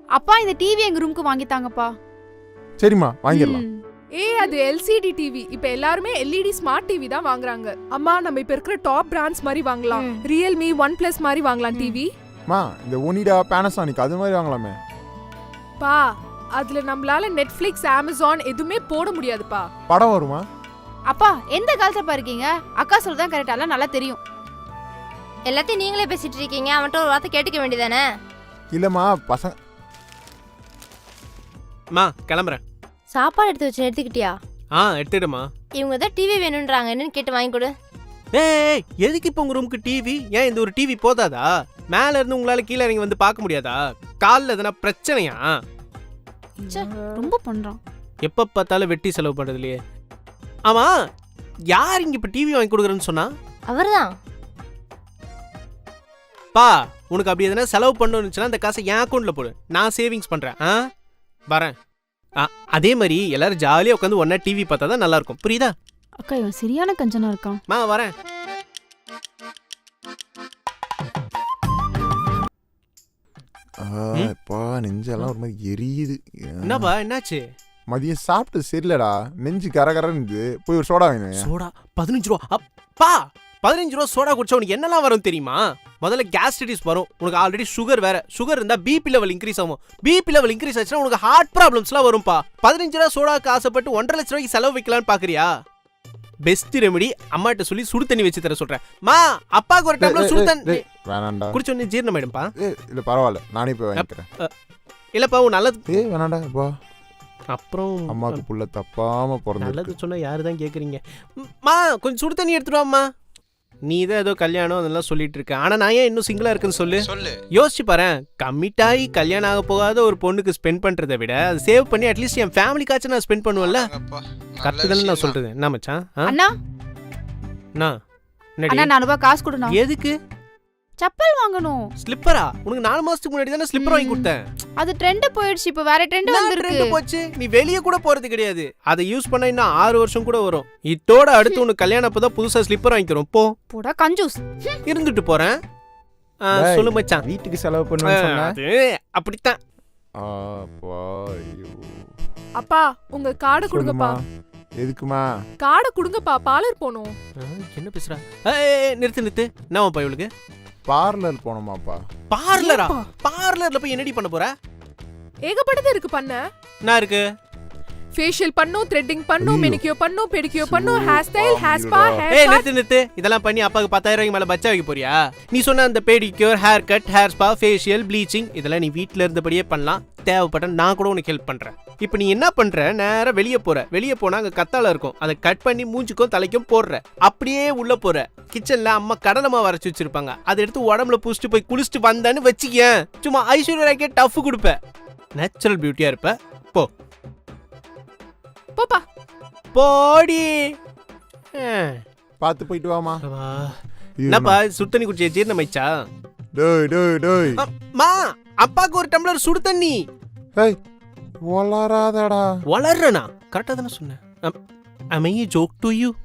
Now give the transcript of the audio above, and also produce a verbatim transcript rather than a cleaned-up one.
அப்பா இந்த டிவி எங்க ரூமுக்கு வாங்கித்தாங்கப்பா. சரிம்மா வாங்கிடலாம். ஏய் அது எல்சிடி டிவி. இப்ப எல்லாருமே எல்இடி ஸ்மார்ட் டிவி தான் வாங்குறாங்க. அம்மா நம்ம இப்ப இருக்கிற டாப் பிராண்ட்ஸ் மாதிரி வாங்கலாம். ரியல்மி, ஒன் பிளஸ் மாதிரி வாங்கலாம் டிவி. மா இந்த ஒனிடா, பானாசோனிக் அது மாதிரி வாங்கலாமே. பா அதுல நம்மளால நெட்ஃபிளிக்ஸ், அமேசான் எதுவுமே போட முடியாதுப்பா. படம் வருமா? அப்பா எந்த காலத்துல இருக்கீங்க? அக்கா சொல்றதான் கரெக்டால நல்லா தெரியும். எல்லாத்தையும் நீங்களே பேசிட்டு இருக்கீங்க. அவன்கிட்ட ஒரு வார்த்தை கேட்டுக்க வேண்டியதானே? இல்லம்மா பசங்க. மா கிளம்புறேன். சாப்பாடு எடுத்து வச்சு எடுத்துக்கிட்டியா? ஆ எடுத்துடுமா. இவங்க தான் டிவி வேணும்ன்றாங்க, என்னன்னு கேட்டு வாங்கி கொடு. ஏய் எதுக்கு இப்போ உங்க ரூமுக்கு டிவி? ஏன் இந்த ஒரு டிவி போதாதா? மேல இருந்து உங்களால கீழே இறங்கி வந்து பார்க்க முடியாதா? காலில் எதனா பிரச்சனையா? ரொம்ப பண்றான். எப்ப பார்த்தாலும் வெட்டி செலவு பண்றது இல்லையே. ஆமா யார் இங்க இப்ப டிவி வாங்கி கொடுக்குறேன்னு சொன்னா? அவர்தான். பா உனக்கு அப்படி எதனா செலவு பண்ணணும்னுச்சுன்னா அந்த காசை என் அக்கௌண்ட்ல போடு, நான் சேவிங்ஸ் பண்றேன். ஆ வரேன். அதே மாதிரி எல்லாரும் ஜாலியா உட்காந்து ஒன்னா டிவி பார்த்தா தான் நல்லா இருக்கும், புரியுதா? அக்கா இவன் சரியான கஞ்சனா இருக்கான். மா வரேன். அப்பா நெஞ்செல்லாம் ஒரு மாதிரி எரியுது. என்னப்பா என்னாச்சு? மதியம் சாப்பிட்டு சரியில்லடா, நெஞ்சு கரகரன்னு. போய் ஒரு சோடா வாங்கினேன். சோடா பதினஞ்சு ரூபா? அப்பா பதினஞ்சு ரூபா சோடா குடிச்சா உனக்கு என்னெல்லாம் வரும் தெரியுமா? முதல்ல கேஸ்ட்ரைட்டிஸ் வரும், உனக்கு ஆல்ரெடி சுகர் வேற. சுகர் இருந்தா பிபி லெவல் இன்க்ரீஸ் ஆகும். பிபி லெவல் இன்க்ரீஸ் ஆச்சுன்னா உனக்கு ஹார்ட் ப்ராப்ளம்ஸ்லாம் வரும்பா. பதினஞ்சு ரூபா சோடாக்கு ஆசைப்பட்டு ஒன்றரை லட்ச ரூபாய்க்கு செலவு வைக்கலான்னு பாக்குறியா? பெஸ்ட் ரெமெடி அம்மாட்ட சொல்லி சுடு தண்ணி வச்சு தர சொல்றேன். மா அப்பாக்கு ஒரு டம்ளர் சுடு தண்ணி வேணாண்டா, குடிச்ச உடனே ஜீரணமாயிடும்பா. இல்ல பரவாயில்ல, நானே போய் வாங்கிக்கிறேன். இல்லப்பா உன் நல்லது. ஏ வேணாண்டா அப்பா. அப்புறம் அம்மாக்கு புள்ள தப்பாம பிறந்தது. நல்லது சொன்னா யாரு தான் கேக்குறீங்க? மா கொஞ்சம் சுடு தண்ணி எடுத்துட்டு வாம்மா. நீ தான் ஏதோ கல்யாணம் அதெல்லாம் சொல்லிட்டு இருக்க, ஆனா நான் ஏன் இன்னும் சிங்கிளா இருக்குன்னு சொல்லு. யோசிச்சு பாரு, கமிட் ஆகி கல்யாணம் ஆக போகாத ஒரு பொண்ணுக்கு ஸ்பெண்ட் பண்றதை விட அது சேவ் பண்ணி அட்லீஸ்ட் என் ஃபேமிலிக்காச்சும் நான் ஸ்பெண்ட் பண்ணுவேன்ல. கரெக்ட் தானே நான் சொல்றது? என்ன மச்சான்? அண்ணா அண்ணா அண்ணா நானூறு ரூபாய் காசு கொடுண்ணா. எதுக்கு? செப்பல் வாங்கணும். ஸ்லிப்பரா? உனக்கு நாலு மாசத்துக்கு முன்னாடி தானே ஸ்லிப்பர் வாங்கி கொடுத்தேன். அது ட்ரெண்ட் போயிடுச்சு, இப்ப வேற ட்ரெண்ட் வந்திருக்கு. ட்ரெண்ட் போச்சு, நீ வெளிய கூட போறது கிடையாது. அதை யூஸ் பண்ணா இன்னும் ஆறு வருஷம் கூட வரும். இதோட அடுத்து உனக்கு கல்யாணம் அப்பதான் புதுசா ஸ்லிப்பர் வாங்கிக்கிறோம். போ போடா கஞ்சூஸ். இருந்துட்டு போறேன். சொல்லு மச்சான். வீட்டுக்கு செலவு பண்ணுவேன்னு சொன்னா அது அப்படித்தான். அப்பா உங்க கார்டு கொடுங்கப்பா. எதுக்குமா? கார்டு கொடுங்கப்பா, பார்லர் போணும். என்ன பேசுறா? ஏய் நிறுத்து நிறுத்து. என்னப்பா இவளுக்கு? பார்லர் போணுமாப்பா? பார்லரா? பார்லர்ல போய் என்னடி பண்ண போற? ஏகப்பட்டது இருக்கு பண்ண. என்ன இருக்கு? ஃபேஷியல் பண்ணனும், த்ரெட்டிங் பண்ணனும், மெனிக்யூர் பண்ணனும், பெடிக்யூர் பண்ணனும், hair style, hair spa, hair ஏய் நிறுத்து நிறுத்து. இதெல்லாம் பண்ணி அப்பாக்கு பத்தாயிரம் ரூபாய்க்கு மேல பச்சா வைக்க போறியா? நீ சொன்ன அந்த pedicure, hair cut, hair spa, facial, bleaching இதெல்லாம் நீ வீட்ல இருந்தபடியே பண்ணலாம். தேவைப்பட்ட நான் கூட உனக்கு ஹெல்ப் பண்றேன். இப்போ நீ என்ன பண்ற? நேரா வெளியே போற. வெளியே போனா அங்க கத்தாழை இருக்கும், அதை கட் பண்ணி மூஞ்சுக்கும் தலைக்கும் போடுற. அப்படியே உள்ள போற. கிச்சன்ல அம்மா கடலை மாவு அரைச்சு வச்சிருப்பாங்க, அதை எடுத்து உடம்புல பூசிட்டு போய் குளிச்சுட்டு வந்தான்னு வச்சுக்க. சும்மா ஐஸ்வர்யா ராய்க்கே டஃப் கொடுப்ப. நேச்சுரல் பியூட்டியா இருப்ப. போ போப்பா போடி. பாத்து போயிட்டு வாமா. என்னப்பா சுடு தண்ணி குடிச்சே ஜீரணமாயிச்சா? டேய் டேய் டேய் மா அப்பாக்கு ஒரு டம்ளர் சுடு தண்ணி. ஏய் வளராதடா. வளர்றனா? கரெக்டா தானே சொன்னேன். am I a joke to you?